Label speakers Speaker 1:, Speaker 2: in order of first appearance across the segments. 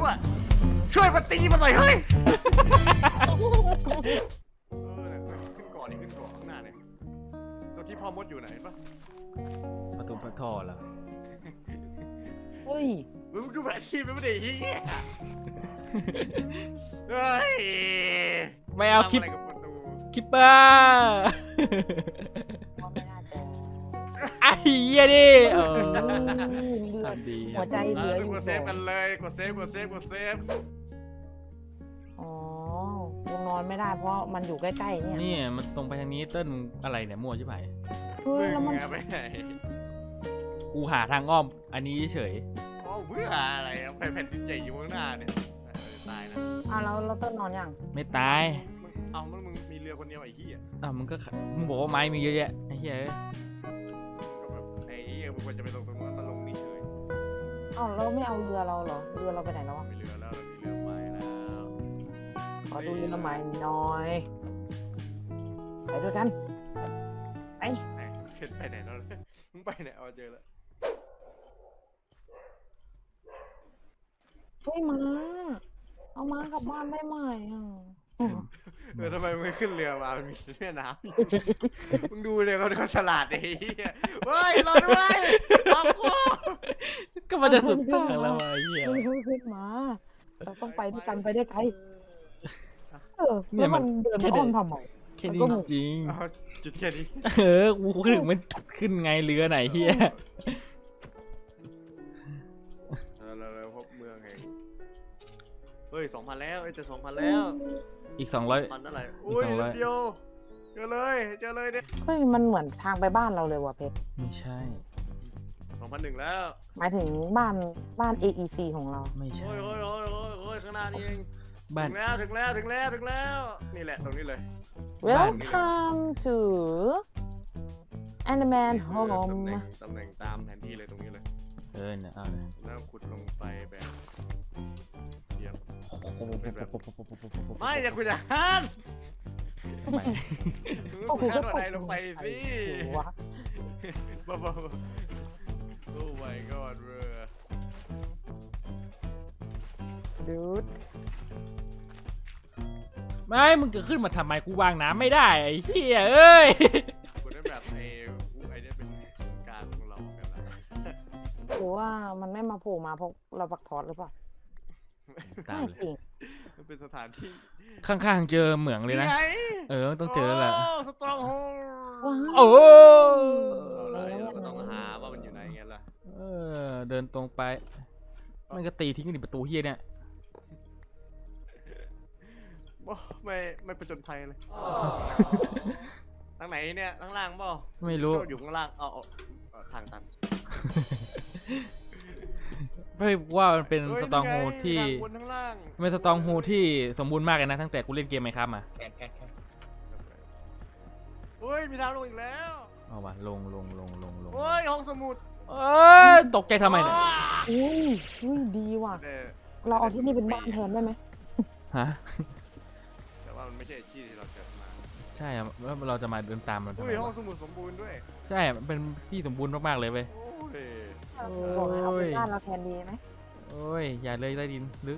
Speaker 1: อะช่วยมาตีมาหน่อยเฮ้ยขึ้นก่อนนี่ขึ้นก่อนข้างหน้าเนี่ยตัวที่พ่อมดอยู่ไหนปะ
Speaker 2: ประตูพระท่อแล้ว
Speaker 3: เฮ้ย
Speaker 1: มึงดูแผนที่ไม่ได้เฮียเฮ้ย
Speaker 2: ไม่เอาคลิปคิปเปอร์ไอ้เหี้ยดิทำดี
Speaker 3: หัวใจเหลืออยู่
Speaker 1: กดเซฟกันเลยกดเซฟ
Speaker 3: อ๋อกูนอนไม่ได้เพราะมันอยู่ใกล้ๆเนี่ย
Speaker 2: นี่มันตรงไปทางนี้เต้นอะไรเนี่ยมั่วใช่ไหม
Speaker 3: เฮ้ยแล้วมัน
Speaker 1: ไปไหน
Speaker 2: กูหาทางอ้อมอันนี้เฉย
Speaker 1: อ๋อเบื่ออะไรแผ่นดินใหญ่อยู่ข้างหน้าเนี่ยตายนะ
Speaker 3: แล้วเราเต้นนอนยัง
Speaker 2: ไม่ตาย
Speaker 1: มึงมีเรือคนเดียวไอ้เหี้ย
Speaker 2: มึงบอกว่าไม้มีเยอะแยะไอ้เหี้ย
Speaker 1: มึงควรจะไปลงตรงนู้นมาลงนี่เฉย
Speaker 3: เราไม่เอาเรือเราเหรอเรือเราไปไหนแล้ว
Speaker 1: มีเรือแล้วมีเรือใหม่แล้ว
Speaker 3: ขอดูเรือใหม่หน่อยไปด้วยกันไป
Speaker 1: ไหนแล้วมึงไปไหนเอาเจอแล้ว
Speaker 3: เฮ้ยเอามากลับบ้านได้ไหม
Speaker 1: ทำไมมึงไม่ขึ้นเรือมามันมีแม่น้ำมึงดูเลยเขาฉลาดไอ้เหี้ยเฮ้ยรอด้วยบอกกู
Speaker 2: ก็มันจะสุดทางแล้วไอ้เหี้ย
Speaker 3: ขึ้นมาเราต้องไปด้วยกันไปได้ไกลเนี่ยมันเดินอ้อมทำไม
Speaker 2: แค่นี้จริง
Speaker 1: จุดแค่นี้
Speaker 2: กูถึงมันขึ้นไงเรือไหนเหี้ย
Speaker 1: เราพบเมืองไงเฮ้ย 2,000 แล้วจะ 2,000 แล้ว
Speaker 2: อีก200
Speaker 1: มันอะไรอุ้ยเดียวเจอเลยเนี่ย
Speaker 3: เฮ้ยมันเหมือนทางไปบ้านเราเลยว่ะเพชร
Speaker 2: ไม่ใช่
Speaker 1: 2,100แล้ว
Speaker 3: หมายถึงบ้าน AEC ของเรา
Speaker 2: ไม่ใช่
Speaker 1: โอ้ยข้างหน้านี่เอง
Speaker 2: บ้าน
Speaker 1: ถึงแล้วนี่แหละตรงนี้เลย
Speaker 3: Welcome to Animan Home
Speaker 1: ตำแหน่งตามแผนที่เลยตรงนี้เลย
Speaker 2: เนี่ยเอาเลย
Speaker 1: แล้วขุดลงไปแบบเทียบไม่อย่าขุดหันขุดหันอะไรลงไปสิบ้าโอ้ my god เรือ
Speaker 3: ดูด
Speaker 2: ไม่มึงจะขึ้นมาทำไมกูวางน้ำไม่ได้ไอ้เหี้ยเอ้ย
Speaker 1: กูได้แบบไอ้เนี่ยเป็นการของเรากันละ
Speaker 3: หรือว่ามันไม่มาโผล่มาเพราะเราปักทอดหรือเปล่า
Speaker 2: ตามเลย
Speaker 1: มันเป็นสถานที่
Speaker 2: ข้างๆเจอเหมืองเลยนะต้องเจอแล้วแหละ
Speaker 1: สตรองโฮ
Speaker 2: โอ้
Speaker 1: เราต้องหาว่ามันอยู่ไหนไงล่ะ
Speaker 2: เดินตรงไปมันก็ตีทิ้งกันในประตูเฮียเนี่ย
Speaker 1: ไม่ประจนภัยเลยทางไหนเนี่ยข้างล่างเปล่า
Speaker 2: ไม่รู้
Speaker 1: อยู่ข้างล่างทางตัน
Speaker 2: ไม่ว่ามันเป็นสตองโฮที่ไม่สตองโฮที่สมบูรณ์มากเลยนะตั้งแต่กูเล่นเกมไหมครับมา
Speaker 1: เฮ้ยมีทางลงอีกแล้ว
Speaker 2: เอาวะลง
Speaker 1: เฮ้ยห้องสมุด
Speaker 2: ตกใจทำไมเนี่ย
Speaker 3: อุ้ยดีว่ะเราเอาที่นี่เป็นบ้านแทนได้ไหม
Speaker 2: ฮะ
Speaker 1: แต่ว่ามันไม่ใช่ที่ที่เราเกิดมา
Speaker 2: ใช่อะแล้วเราจะมาเดินตามมัน
Speaker 1: อุ้ยห้องสมุดสมบูรณ์ด้วย
Speaker 2: ใช่มันเป็นที่สมบูรณ์มากๆเลยเว้ย
Speaker 3: บอกให้เอาเป็นบ้านเราแทนดีไหม
Speaker 2: โอ้ยอย่าเลยใต้ดินลึก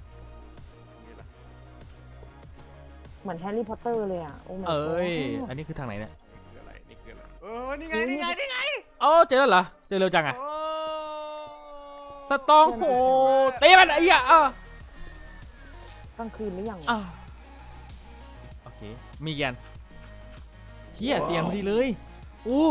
Speaker 3: เหมือนแฮร์รี่พอตเตอร์เลยอ่ะ
Speaker 2: อันนี้คือทางไหนเนี่ย
Speaker 1: นี่ไงนี่ไง
Speaker 2: เจอแล้วเหรอเจอเร็วจังอะสตองโหตีมันไอ้ยะ
Speaker 3: กลางคืนหรือยัง
Speaker 2: โอเคมีกันเฮียเสียงพอดีเลยโอ้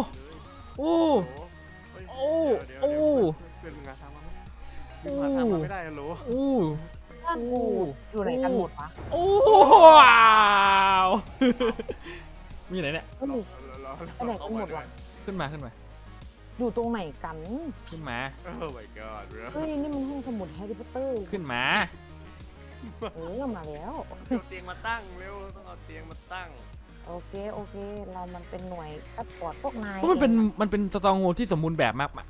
Speaker 1: เป็นงานทำมาไม่ได้ฮัลโหล
Speaker 3: บ้านกูอยู่ไหนกันหมดวะ
Speaker 2: ว้าวมีไหนเนี่ย
Speaker 3: ไปไหนกันหมดวะ
Speaker 2: ขึ้นมา
Speaker 3: อยู่ตรงไหนกัน
Speaker 2: ขึ้นมา
Speaker 1: โอ้ my god
Speaker 3: เฮ้ยนี่มันห้องสมุดแฮร์รี่พอตเตอร์
Speaker 2: ขึ้นมา
Speaker 3: มาแล้ว
Speaker 1: เอาเตียงมาตั้งเร็วต้องเอาเตียงมาตั้ง
Speaker 3: โอเคเรามันเป็นหน่วยซัพพอร์ตพวกนาย
Speaker 2: มันเป็นสตองโฮที่สมบูรณ์แบบมาก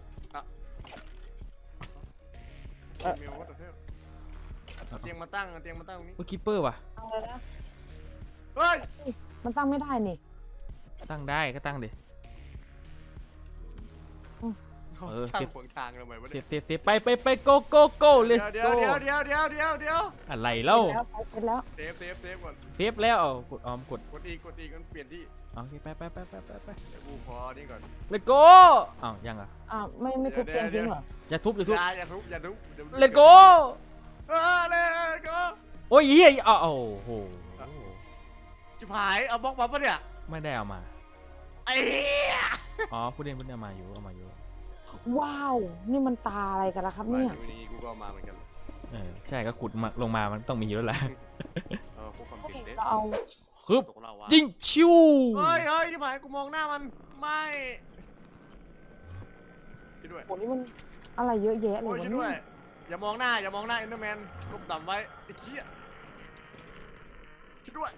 Speaker 1: เตียงมาตั้งตรงนี้
Speaker 2: คิปเปอร์ว่ะ
Speaker 1: เฮ้ย
Speaker 3: มันตั้งไม่ได้นี่
Speaker 2: ตั้งได้ก็ตั้งดิเออ
Speaker 1: ตั้งขวางทางทำไมวะ
Speaker 2: เซ
Speaker 1: เนี่ย
Speaker 2: ฟไปโก let's
Speaker 1: เดี๋ยว
Speaker 2: go
Speaker 1: เดี๋ยว
Speaker 2: อะไรเล่า
Speaker 3: เป็นแล้ว
Speaker 1: เซฟก่อน
Speaker 2: เซฟแล้วเอากดกด
Speaker 1: กดอีกมันเปลี่ยนที่
Speaker 2: โอเคไป
Speaker 1: เดี๋ยวกูพอนี่ก่อน
Speaker 2: let's go อ้าวยังอ่ะ
Speaker 3: ไม่ทุบเตียงทิ้งเหรอ
Speaker 2: อย่าทุบ
Speaker 1: อย่าทุบเดี๋ยว
Speaker 2: let's go
Speaker 1: let's go
Speaker 2: โอ้ยเฮียอ้าวโอ้โห
Speaker 1: ชิบหายเอาบล็อกมาปะเนี่ย
Speaker 2: ไม่ได้เอามา
Speaker 1: ไอ้เหี้ย
Speaker 2: อ๋อพูดเล่นเอามาอยู่
Speaker 3: ว้าว นี่มันตาอะไรกันล่ะครับเนี่ย
Speaker 1: วันนี้กูก็มาเหมือนกัน
Speaker 2: ใช่ก็ขุดมาลงมามันต้องมีอยู่แล้วแหละ
Speaker 1: พวกความผิดเด็ด
Speaker 3: เราเอา
Speaker 2: ฮึบ
Speaker 1: ตกเราวะ
Speaker 2: ยิงชิว
Speaker 1: เฮ้ยชิบหายกูมองหน้ามันไม่ช่วยด้วย
Speaker 3: โหนี่มันอะไรเยอะแยะเล
Speaker 1: โอ้
Speaker 3: ย
Speaker 1: ยว
Speaker 3: ะ
Speaker 1: ช่วย
Speaker 3: เนี่
Speaker 1: ด้วย
Speaker 3: ย
Speaker 1: อย่ามองหน้าเอ็นเดอร์แมนลบต่ำไว้ไอ้เหี้ยช่วยด้วย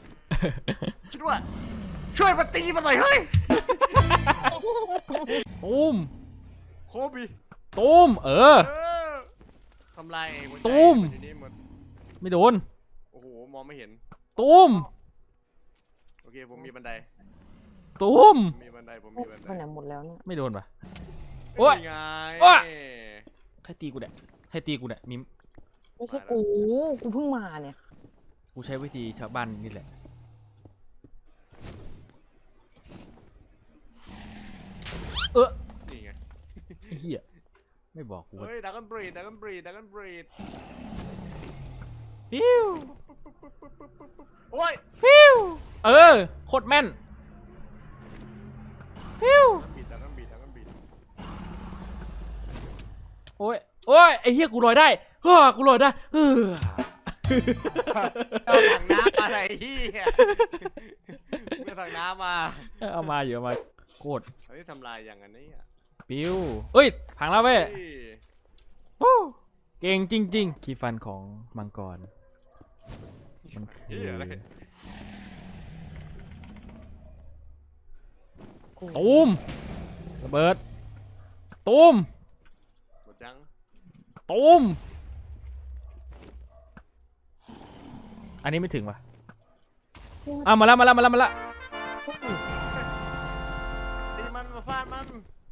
Speaker 1: ช่วยมาตีมันหน่อยเฮ้ย
Speaker 2: ตูม
Speaker 1: โคบี
Speaker 2: ตูม
Speaker 1: ทำลายหัวใจ
Speaker 2: ตุ้ม
Speaker 1: นอยู่นี่หมด
Speaker 2: ไม่โดน
Speaker 1: โอ้โหมองไม่เห็น
Speaker 2: ตูม
Speaker 1: โอเคผมมีบันได
Speaker 2: ตูม
Speaker 1: ผมมีบันได
Speaker 3: ไปไหนหมดแล้วเนี่ย
Speaker 2: ไม่โดนปะ โอ๊ย
Speaker 1: นี่ไง
Speaker 2: โอ๊ย ใครตีกูเนี่ยมิม
Speaker 3: ไม่ใช่กูเพิ่งมาเนี่ย
Speaker 2: กูใช้วิธีชาวบ้านนี่แหละ
Speaker 1: นี่ไง
Speaker 2: ไอ้เหี้ยไม่บอกกูว่า
Speaker 1: เฮ้ยดักกันบรีด
Speaker 2: ฟิว
Speaker 1: โอ้ย
Speaker 2: ฟิวโคตรแม่นฟิว
Speaker 1: ดักกันบรีด
Speaker 2: โอ้ยไอ้เหี้ยกูลอยได้กูลอยได้
Speaker 1: เอาถังน้ำมาอะไรเหี้ยเอาถังน้ำมา
Speaker 2: เอามาโคตร
Speaker 1: เฮ้ยทำลายอย่างอันนี้อ่ะ
Speaker 2: ฟิวเอ้ยพังแล้วเว้ย
Speaker 1: เฮ้ย
Speaker 2: โอ้เก่งจริงๆคีย์ฟันของมังกรมันคือ
Speaker 1: เหี้ยอะไร
Speaker 2: ตูมระเบิดตูม
Speaker 1: หมดยัง
Speaker 2: ตูมอันนี้ไม่ถึงว่ะมาแล้ว
Speaker 1: ตีมันมาฟาดมัน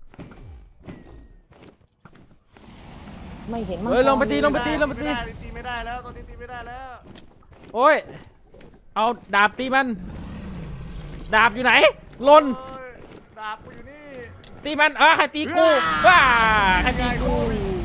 Speaker 3: ไม่เห็นมัน
Speaker 2: เฮ้ยลงไปตี
Speaker 1: ตีไม่ได้แล้วตอนนี้ตีไม่ได้แล้ว
Speaker 2: โอ้ยเอาดาบตีมันดาบอยู่ไหนลน
Speaker 1: โอ้ยดาบกูอยู่นี่
Speaker 2: ตีมันใครตีกูว้าใครตีกู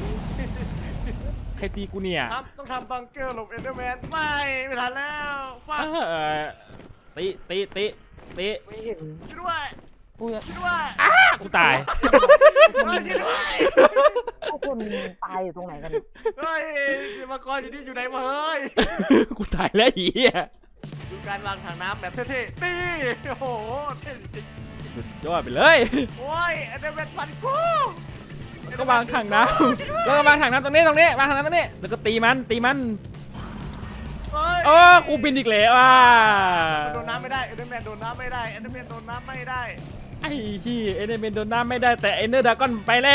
Speaker 2: เนี่ย
Speaker 1: ต้องทำบังเกอร์หลบเอนเดอร์แมนไม่ทันแล้วฟาด
Speaker 2: ตี
Speaker 3: ไม่เห็น
Speaker 1: ช่วยด้วย
Speaker 3: กูจะ
Speaker 1: ช่วยด้วย
Speaker 2: กูตาย
Speaker 1: เฮ้ยช่วยด้วย
Speaker 3: พวกคนตายอยู่ตรงไหนกันเนี่ย
Speaker 1: เฮ้ยมังกรอยู่นี่อยู่ไหนมาเฮ้ย
Speaker 2: กูตายแล้วเหี้ย
Speaker 1: ดูการวางถังน้ำแบบเท่ๆตีโอ้โหเท่จริง
Speaker 2: สุดยอดไปเลย
Speaker 1: โอ้ยเอนเดอร์แมนฟันกู
Speaker 2: แล้วก็วางถังน้ำแล้วก็วางถังน้ำตรงนี้วางถังน้ำตรงนี้แล้วก็ตีมัน
Speaker 1: เฮ้ย
Speaker 2: กูบินอีกแล้ว
Speaker 1: โดนน้ำไม่ได้เอนเดอร์แมนโดนน้ำไม่ได้เอนเดอร์แมนโดนน้ำไม่ได้
Speaker 2: ไอ้ที่เอเนเมนโดนน้ำไม่ได้แต่เอเนอร์ดากอนไปแล้ว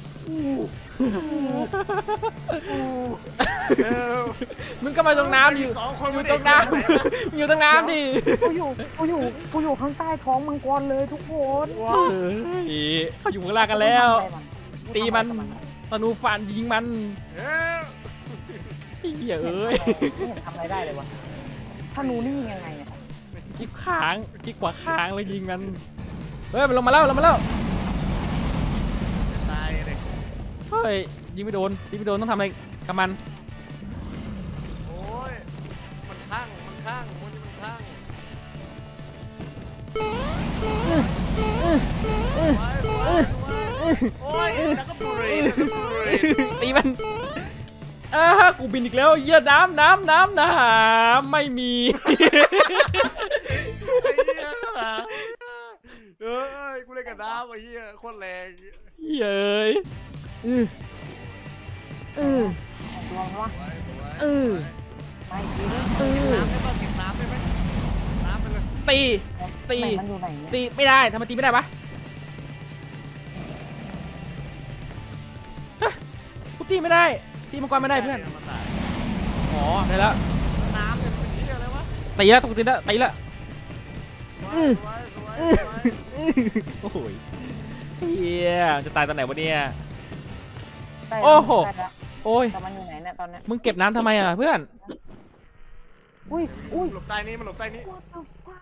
Speaker 2: มึงก็มาตรงน้ำดิ
Speaker 1: สองคน
Speaker 2: อยู่ตรงน้ำอยู่ตรงน้ำดิ
Speaker 3: กูอยู่ข้างใต้ท้องมังกรเลยทุกคน
Speaker 2: เขาอยู่ข้างล่างกันแล้ว ตีมันธนูฟันยิงมัน
Speaker 1: เฮ้ย
Speaker 2: เหี้ยเอ้ย
Speaker 3: ไม่เห็นทำอะไรได้เลยวะถ้านูนี่ยังไงเนี่ย
Speaker 2: กิ๊กค้างกิ๊กกว่าค้างเลยยิงมันเฮ้ยมันลงมาแล้ว
Speaker 1: ตายเลย
Speaker 2: เฮ้ยยิงไม่โดนต้องทำอะไรกับมัน
Speaker 1: โอ้ยมันข้างมันข้างโอ้ยแล้วก็บุรี
Speaker 2: ตีมันกูบินอีกแล้วเหี้ยน้ำไม่มี
Speaker 1: เอ้ยกูเล่นกับน้ำไอ้เหี้ยโคตรแรง
Speaker 2: เย้ย
Speaker 3: ลองวะ ไม่ดี
Speaker 1: น้ำได้ไหมน้ำไปเลย
Speaker 2: ตี
Speaker 3: มันอยู่ไหนเนี่ย
Speaker 2: ตีไม่ได้ทำไมตีไม่ได้วะกูตีไม่ได้ตีมังกรไม่ได้เพื่อนอ๋อได้แล้ว
Speaker 1: น้ำเนี่ยเป็นเหี้ยอะไรวะ
Speaker 2: ตีแล้วตีแล้วโอ้ยเฮียจะตายตอนไหนวะเนี่ย
Speaker 3: ใกล้
Speaker 2: โอ้โห
Speaker 3: ใกล้แล้ว
Speaker 2: โอ้ย
Speaker 3: แต่มันอยู่ไหนเนี่ยตอนเนี้ย
Speaker 2: มึงเก็บน้ำทำไมอ่ะเพื่อน
Speaker 3: อุ้ยอุ้ย
Speaker 1: หลบใต้นี้มันหลบใต้นี้
Speaker 3: what the fuck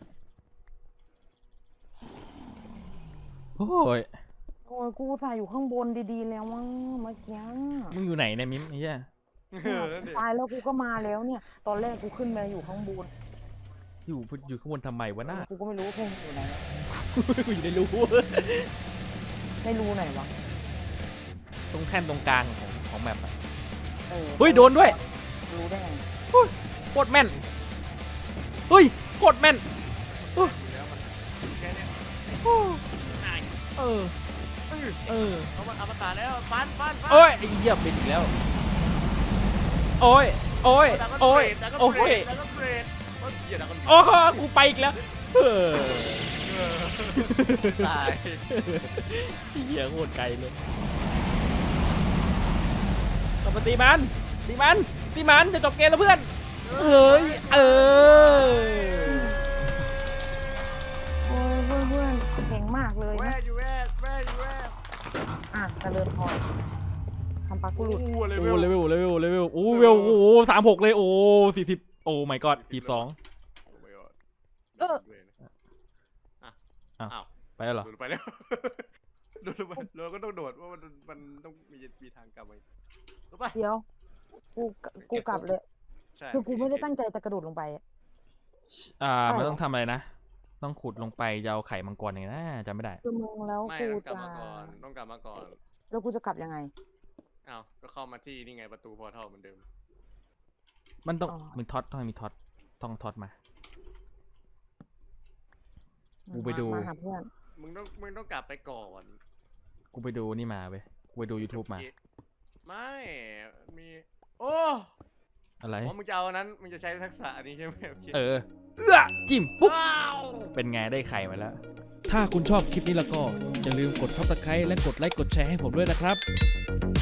Speaker 2: โอ้ย
Speaker 3: โอ้ยกูใส่อยู่ข้างบนดีๆแล้วมั้งเมื่อกี้
Speaker 2: มึงอยู่ไหนเนี่ยมิมไอ้เหี้ย
Speaker 1: นั่นดิ
Speaker 3: ตายแล้วกูก็มาแล้วเนี่ย ตอนแรกกูขึ้นมาอยู่ข้างบน
Speaker 2: อยู่ข้างบนทำไมวะหน้า
Speaker 3: กูก็ไม่รู้ว่าพวกมึงอยู่ไหน
Speaker 2: กูอยู่ในรู
Speaker 3: ไม่รู้ไหนวะ
Speaker 2: ตรงแท่นตรงกลางของแมปอะ
Speaker 3: เออ
Speaker 2: เฮ้ยโดนด้วย
Speaker 3: รู้ได้ไง
Speaker 2: โคตรแม่นเฮ้ยโคตรแม่น
Speaker 1: แล้วมันแค่เนี้ย
Speaker 2: เออเออ
Speaker 1: เอามันอมตะแล้วฟัน
Speaker 2: โอ้ยไอ้เหี้ยเป็นอีกแล้วโอ้ยโอ้ยโอ้ย
Speaker 1: แล้วก็
Speaker 2: โอ้
Speaker 1: เบร
Speaker 2: ย
Speaker 1: ดแล้วก็เบรดโอ้ยเหี้ยแล้วก็
Speaker 2: โอ้กูไปอีกแล้วเออ
Speaker 1: ตาย
Speaker 2: เหี้ยโคตรไกลเลยต้องมาตีมันตีมันจะจบเกมแล้วเพื่อนเฮ้ยเออ
Speaker 3: โอ้ยเพื่อนๆเก่งมากเลย
Speaker 1: แว่
Speaker 3: นะ
Speaker 1: อยู่แว่
Speaker 3: อ่ะเจริญพรทำปากกูหลุด
Speaker 1: โอ้เล
Speaker 2: โอ้
Speaker 1: เวล
Speaker 2: เลเวลโอ้เวลโอ้36เลยโอ้40โอ้ my god 42
Speaker 3: เออ
Speaker 1: อ้าว
Speaker 2: ไปแล้วเหรอ
Speaker 1: โดดไปแล้วโดดไปเราก็ต้องโดดว่ามันต้องมีทางกลับไปรู้ป่ะ
Speaker 3: เดี๋ยวกูกลับเลย
Speaker 1: ใช่
Speaker 3: คือกูไม่ได้ตั้งใจจะกระโดดลงไปอะ
Speaker 2: มันต้องทำอะไรนะ ต้องขุดลงไปจะเอาไข่มังกรยังไงนะจำไม่ได้
Speaker 3: คือมึงแล้ว
Speaker 1: ไม่
Speaker 3: กู
Speaker 1: ต้องกลับ
Speaker 3: จะ
Speaker 1: มาก่อนต้องกลับมาก่อน
Speaker 3: แล้วกูจะกลับยังไง
Speaker 1: อ้าวก็เข้ามาที่นี่ไงประตูพอร์ทัลเหมือนเดิม
Speaker 2: มันต้อง
Speaker 3: อ๋อ
Speaker 2: มีท็อตต้องมีท็อตต้องท็อตมา กูไปดู
Speaker 3: มาหาเพื่อน
Speaker 1: มึงต้องกลับไปก่อน
Speaker 2: กูไปดูนี่มาเว้ยกูไปดู YouTube มา
Speaker 1: ไม่มีโอ้
Speaker 2: อะไร
Speaker 1: อ๋อมึงจะเอาอันนั้นมึงจะใช้ทักษะอันนี้ใช่ไหมโอเค
Speaker 2: จิ้มปุ๊บ
Speaker 1: ว้าว
Speaker 2: เป็นไงได้ไข่มาแล้ว
Speaker 4: ถ้าคุณชอบคลิปนี้แล้วก็อย่าลืมกด Subscribe และกดไลค์กดแชร์ให้ผมด้วยนะครับ